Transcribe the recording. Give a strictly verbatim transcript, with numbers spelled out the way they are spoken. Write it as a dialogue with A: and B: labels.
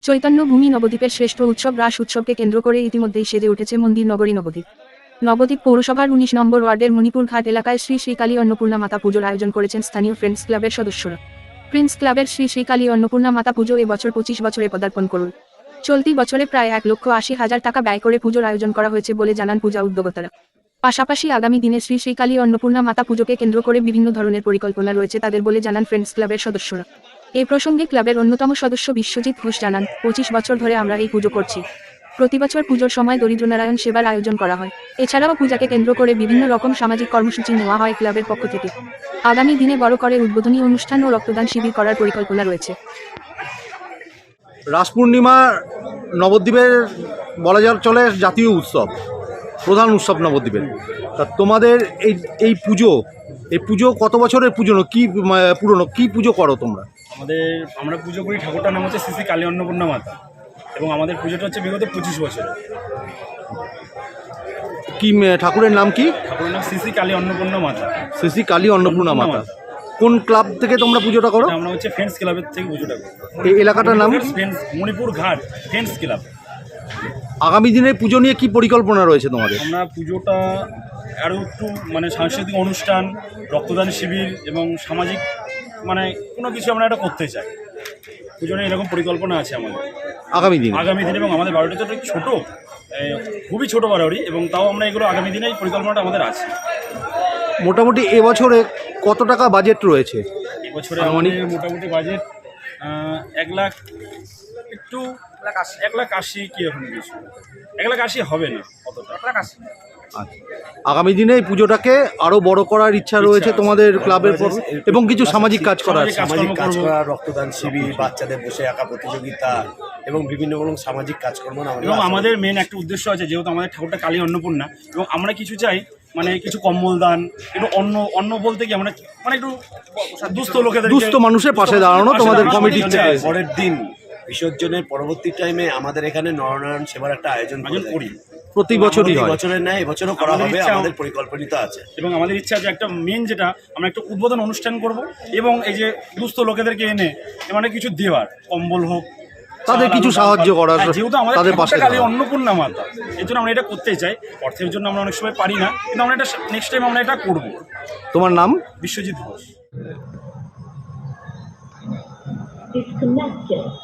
A: চৈতন্য ভূমি নবদ্বীপের শ্রেষ্ঠ উৎসব রাস উৎসবকে কেন্দ্র করে ইতিমধ্যেই সেজে উঠেছে মন্দির নগরী নবদ্বীপ। নবদ্বীপ পৌরসভার উনিশ নম্বর ওয়ার্ডের মণিপুর ঘাট এলাকায় শ্রী শ্রীকালী অন্নপূর্ণা মাতা পুজোর আয়োজন করেছেন স্থানীয় ফ্রেন্ডস ক্লাবের সদস্যরা। ফ্রেন্ডস ক্লাবের শ্রী শ্রীকালী অন্নপূর্ণা মাতা পুজো এবছর পঁচিশ বছরে পদার্পণ করল। চলতি বছরে প্রায় এক লক্ষ আশি হাজার টাকা ব্যয় করে পুজোর আয়োজন করা হয়েছে বলে জানান পূজা উদ্যোক্তারা। পাশাপাশি আগামী দিনে শ্রী শ্রীকালী অন্নপূর্ণা মাতা পুজোকে কেন্দ্র করে বিভিন্ন ধরনের পরিকল্পনা রয়েছে তাদের বলে জানান ফ্রেন্ডস ক্লাবের সদস্যরা। এই প্রসঙ্গে ক্লাবের অন্যতম সদস্য বিশ্বজিৎ ঘোষ জানান, পঁচিশ বছর ধরে আমরা এই পুজো করছি। প্রতি বছর পুজোর সময় দরিদ্র নারায়ণ সেবার আয়োজন করা হয়। এছাড়াও পূজাকে কেন্দ্র করে বিভিন্ন রকম সামাজিক কর্মসূচি নেওয়া হয় ক্লাবের পক্ষ থেকে। আগামী দিনে বড় করে উদ্বোধনী অনুষ্ঠান ও রক্তদান শিবির করার পরিকল্পনা রয়েছে।
B: রাস পূর্ণিমা নবদ্বীপের বলা যাক চলে জাতীয় উৎসব, প্রধান উৎসব নবদ্বীপের। তা তোমাদের এই এই পুজো এই পুজো কত বছরের পুজো, কি পুরনো কি পুজো করো তোমরা?
C: আমাদের আমরা পুজো করি, ঠাকুরটার নাম হচ্ছে শ্রী শ্রী কালী অন্নপূর্ণা মাতা, এবং আমাদের পুজোটা হচ্ছে বিগত পঁচিশ বছর।
B: কি ঠাকুরের নাম কি?
C: ঠাকুরের নাম শ্রী শ্রী কালী অন্নপূর্ণা মাতা।
B: শ্রী শ্রী কালী অন্নপূর্ণা মাতা। কোন ক্লাব থেকে তোমরা পুজোটা করো?
C: আমরা হচ্ছে ফ্রেন্ডস ক্লাবের থেকে পুজোটা করি।
B: এই এলাকাটার নাম
C: ফ্রেন্ডস মণিপুর ঘাট ফ্রেন্ডস ক্লাব।
B: আগামী দিনে পুজো নিয়ে কি পরিকল্পনা রয়েছে তোমাদের?
C: আমরা পুজোটা আরও একটু মানে সাংস্কৃতিক অনুষ্ঠান, রক্তদান শিবির এবং সামাজিক মানে কোনো কিছু আমরা এটা করতে চাই। পুজো নিয়ে এরকম পরিকল্পনা আছে আমাদের
B: আগামী দিন
C: আগামী দিনে এবং আমাদের বাড়িটা তো ছোটো, খুবই ছোটো বাড়ি, এবং তাও আমরা এগুলো আগামী দিনে এই পরিকল্পনাটা আমাদের আছে।
B: মোটামুটি এবছরে কত টাকা বাজেট রয়েছে?
C: এবছরে আমাদের মোটামুটি বাজেট এক লাখ একটু এক লাখ আশি কি এখন কিছু এক লাখ আশি হবে না, কতটা এক লাখ আশি।
B: আগামী দিনে এই পুজোটাকে আরো বড় করার ইচ্ছা রয়েছে তোমাদের ক্লাবের পর, এবং কিছু সামাজিক কাজ করার
D: সামাজিক কাজ করা, রক্তদান শিবির, বাচ্চাদের বসে আঁকা প্রতিযোগিতা এবং বিভিন্ন রকম সামাজিক কাজকর্ম।
C: এবং আমাদের মেন একটা উদ্দেশ্য আছে, যেহেতু আমাদের ঠাকুরটা কালী অন্নপূর্ণা, এবং আমরা কিছু চাই মানে কিছু কম্বল দান, একটু অন্ন অন্ন বলতে কি আমরা মানে একটু দুস্থ লোকেদের,
B: দুস্থ মানুষের পাশে দাঁড়ানো তোমাদের কমিটির থেকে।
D: পরের দিন বিসর্জনের পরবর্তী টাইমে আমাদের এখানে নরনারায়ণ সেবার একটা আয়োজন করি,
B: প্রতি বছরই হয়।
D: বছরের ন্যায় এবছরও করা হবে, আমাদের পরিকল্পনিত আছে।
C: এবং আমাদের ইচ্ছা আছে একটা মেন যেটা আমরা একটা উদ্বোধন অনুষ্ঠান করব, এবং এই যে দুস্থ লোকেদেরকে এনে মানে কিছু দেওয়ার, কম্বল হোক,
B: তাদের কিছু সাহায্য করার,
C: যেহেতু আমাদের পাশে কালী অন্নপূর্ণা মাতা, এই জন্য আমরা এটা করতে চাই। অর্থের জন্য আমরা অনেক সময় পারি না, কিন্তু আমরা এটা নেক্সট টাইম আমরা এটা করব।
B: তোমার নাম?
C: বিশ্বজিৎ ঘোষ।
E: Disconnected.